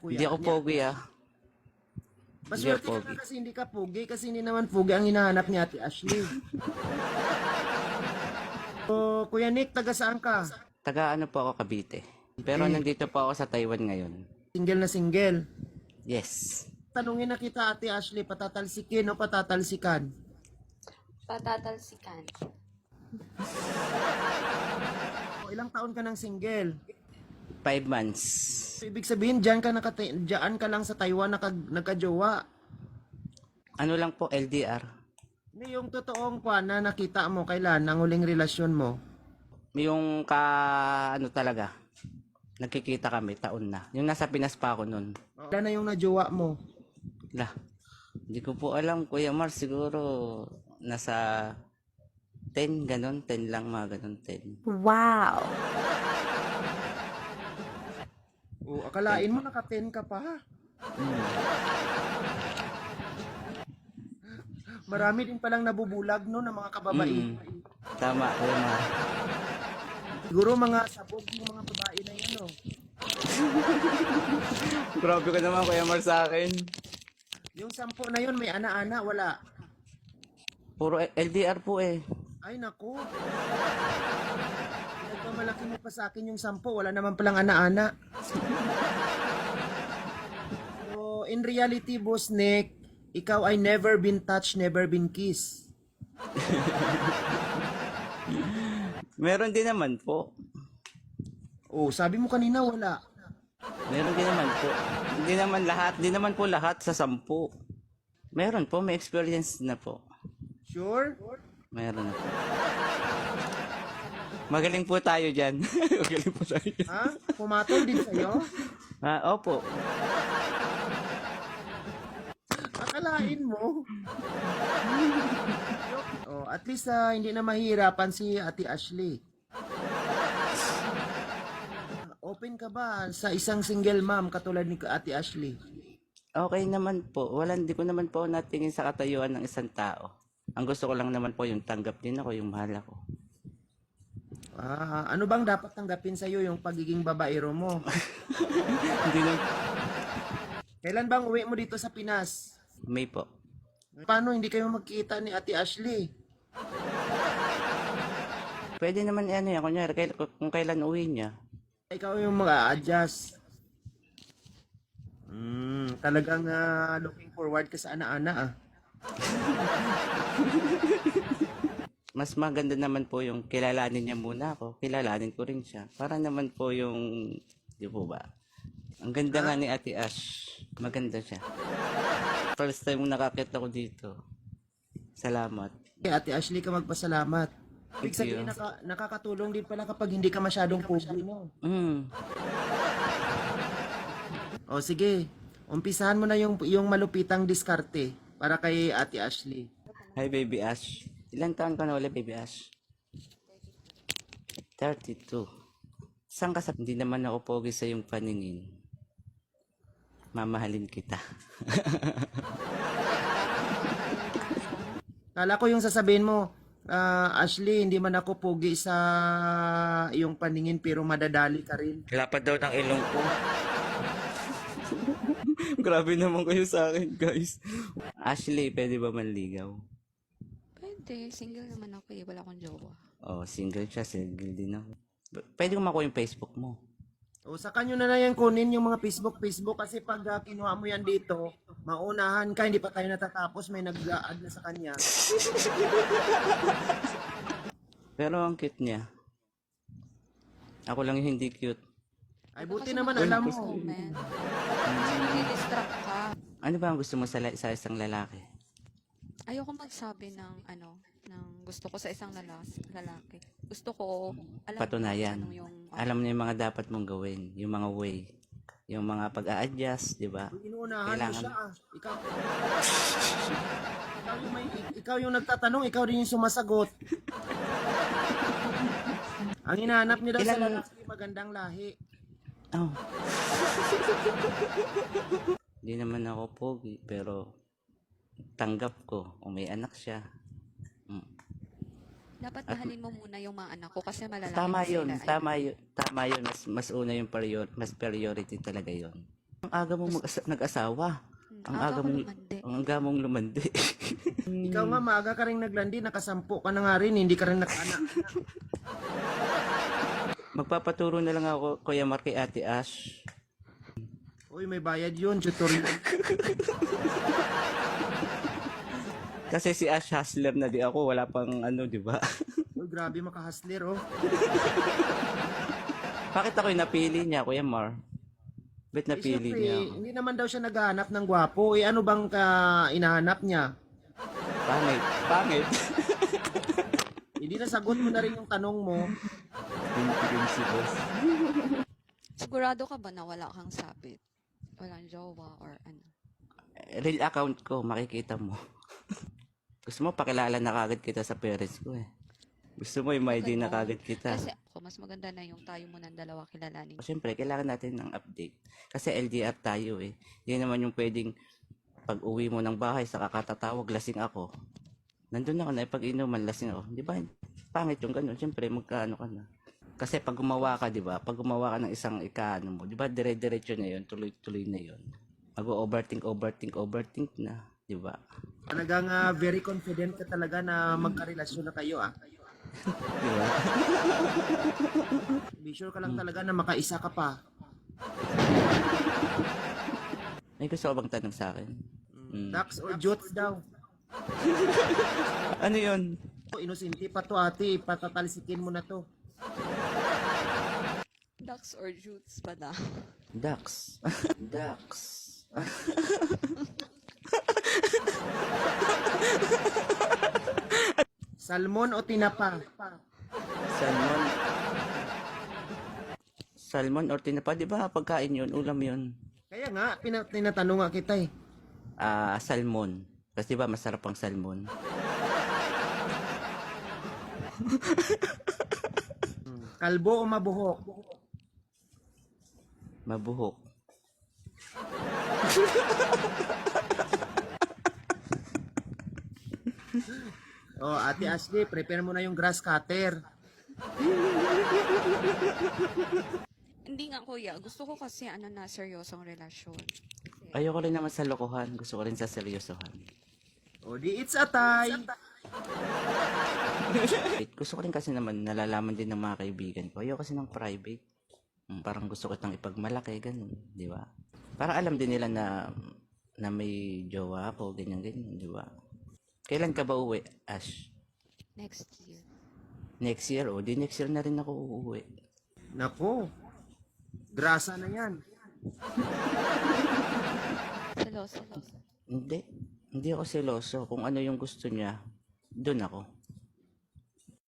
Hindi ako pogi ah. Hindi ako Maswerte ka pogi. na kasi hindi ka pogi, kasi hindi naman pogi ang hinahanap ni Ate Ashley. So, Kuya Nick, taga saan ka? Taga ano po ako, Cavite. Pero nandito po ako sa Taiwan ngayon. Single na single. Yes. Tanungin na kita, Ate Ashley, patatalsikin o patatalsikan? Patatalsikan. O, ilang taon ka ng single? 5 months. So, ibig sabihin, dyan ka lang sa Taiwan nagka-jowa. Ano lang po, LDR. Ano yung totoong na nakita mo kailan ang huling relasyon mo? Yung ano talaga, nagkikita kami, taon na. Yung nasa Pinas pa ako nun. Kailan na yung najowa mo? Lah, hindi ko po alam, Kuya Mars, siguro nasa 10, ganun, 10 lang, mga ganun, 10. Wow! O, akalain mo naka-10 ka pa. Marami din palang nabubulag no ng mga kababaihan. Tama, Kuya Mars. Siguro mga sabog yung mga babae na yan, no? Grabe ka naman, Kuya Mars, sa akin. Yung 10 na yun, may ana-ana, wala. Puro LDR po eh. Ay, naku. Nagpamalaki mo pa sa akin yung 10, wala naman palang ana-ana. So, in reality, Boss Nick, ikaw ay never been touched, never been kissed. Meron din naman po. Oh, sabi mo kanina wala. Meron din naman po. Hindi naman lahat. Hindi naman po lahat sa 10. Meron po. May experience na po. Sure? Meron na po. Magaling po tayo dyan. Magaling po tayo dyan. Ha? Pumatol din sa'yo? Opo. Akalain mo. Oh, at least hindi na mahirapan si Ate Ashley. Open ka ba sa isang single mom katulad ni Ate Ashley? Okay naman po. Hindi ko naman po natingin sa katayuan ng isang tao. Ang gusto ko lang naman po yung tanggap din ako, yung mahal ako. Ano bang dapat tanggapin sa'yo yung pagiging babaero mo? Hindi na. Kailan bang uwi mo dito sa Pinas? May po. Paano hindi kayo magkita ni Ate Ashley? Pwede naman yan. Kunyari, kung kailan uwi niya. Ikaw yung mag-a-adjust. Talagang looking forward ka sa ana-ana ah. Mas maganda naman po yung kilalanin niya muna ako. Kilalanin ko rin siya. Para naman po yung, di po ba? Ang ganda nga ni Ate Ash. Maganda siya. First time nakakita ko dito. Salamat. Kay Ate Ashley ka magpasalamat. Ibig Thank you. sabihin nakakatulong din pala kapag hindi ka masyadong pogi mo. O sige, umpisahan mo na yung malupitang diskarte para kay Ate Ashley. Hi, Baby Ash. Ilan taon ka na ulit, Baby Ash? 32. Saan ka sa... Hindi naman ako pogi sa yung paningin. Mamahalin kita. Kala ko yung sasabihin mo, Ashley, hindi man ako pogi sa iyong paningin pero madadali ka rin. Lapad daw ng ilong ko. Grabe naman kayo sa akin, guys. Ashley, pwede ba manligaw? Pwede. Single naman ako eh. Wala akong jowa. Oh, single siya. Single din ako. Pwede ko makuha yung Facebook mo. O sa kanyo na yan kunin yung mga Facebook kasi pag kinuha mo yan dito, maunahan ka, hindi pa tayo natatapos, may nag-add na sa kanya. Pero ang cute niya. Ako lang yung hindi cute. Ay buti naman alam mo. Comment. Kasi nadi-distract ka. Ano ba ang gusto mo sa isang lalaki? Ayoko magsabi ng ng gusto ko sa isang lalaki. Gusto ko, alam Patunayan. ko ano yung... Alam niyo yung mga dapat mong gawin. Yung mga way. Yung mga pag-a-adjust, di ba? Inuunahan mo Kailangan. siya. Ikaw yung nagtatanong, ikaw din yung sumasagot. Ang hinahanap niyo daw sa lalaki, magandang lahi. Oh. Hindi naman ako pogi, pero tanggap ko. O may anak siya. Dapat mahalin mo muna yung mga anak ko kasi malalaki Tama na yun. sila. Tama yun. Mas una yung mas priority talaga yun. Ang aga mong nag-asawa. Ang aga ko mong, lumandi. ang aga mong lumandi. Ikaw nga, maaga ka rin naglandi, nakasampu ka na nga rin, hindi ka rin nakaanak. Magpapaturo na lang ako, Kuya Mark, kay Ate Ash. Uy, may bayad yun, tutorial. Kasi si Ash hustler na di ako, wala pang ano, di ba? Uy, grabe makahasler, oh. Bakit ako yung napili niya, Kuya Mar? Ba't Eh, napili syempre, niya ako? hindi naman daw siya naghahanap ng gwapo. Eh, ano bang inahanap niya? Pangit. Pangit. Hindi nasagot mo na rin yung tanong mo. Pinipigil si boss. Sigurado ka ba na wala kang sabit? Walang jowa or ano? Real account ko, makikita mo. Gusto mo, pakilala na kagad kita sa parents ko eh. Gusto mo, i-ID na kagad kita. Kasi ako, mas maganda na yung tayo mo ng dalawa kilalanin. Siyempre, kailangan natin ng update. Kasi LDR tayo eh. Hindi naman yung pwedeng pag uwi mo ng bahay sa kakatatawag, lasing ako. Nandun ako na, pag inuman, lasing ako. Di ba? Pangit yung ganun. Siyempre, magkaano ka na. Kasi pag gumawa ka, di ba? Pag gumawa ka ng isang ikaano mo, di ba? Dire-diretso na yun, tuloy-tuloy na yun. Mag-overthink na. Di ba? Talagang very confident ka talaga na magkarelasyon na kayo, ah. Di ba? Be sure ka lang talaga na makaisa ka pa. May gusto ka bang tanong sa akin? Ducks or jutes daw. Ano yun? Inusinti pa to, ate. Patatalsikin mo na to. Ducks or jutes pa na? Ducks. Ducks. Salmon o tinapa? Salmon. Salmon or tinapa, di ba? Pagkain yun, ulam yun. Kaya nga, tinatanong nga kita eh. Salmon. Kasi di ba masarap ang salmon? Kalbo o mabuhok? Mabuhok. Oh, Ate Ashley, prepare mo na yung grass cutter. Hindi nga kuya, gusto ko kasi na seryosong relasyon. Ayoko rin naman sa lokohan. Gusto ko rin sa seryosohan. O di it's a tie. Gusto ko rin kasi naman nalalaman din ng mga kaibigan ko. Ayoko kasi ng private. Parang gusto ko itang ipagmalaki, ganun. Di ba? Para alam din nila na may jowa ako, ganyan-ganyan, di ba? Kailan ka ba uwi, Ash? Next year. Next year? O, di next year na rin ako uuwi. Nako, grasa na yan. Seloso. Hindi. Hindi ako seloso. Kung ano yung gusto niya, doon ako.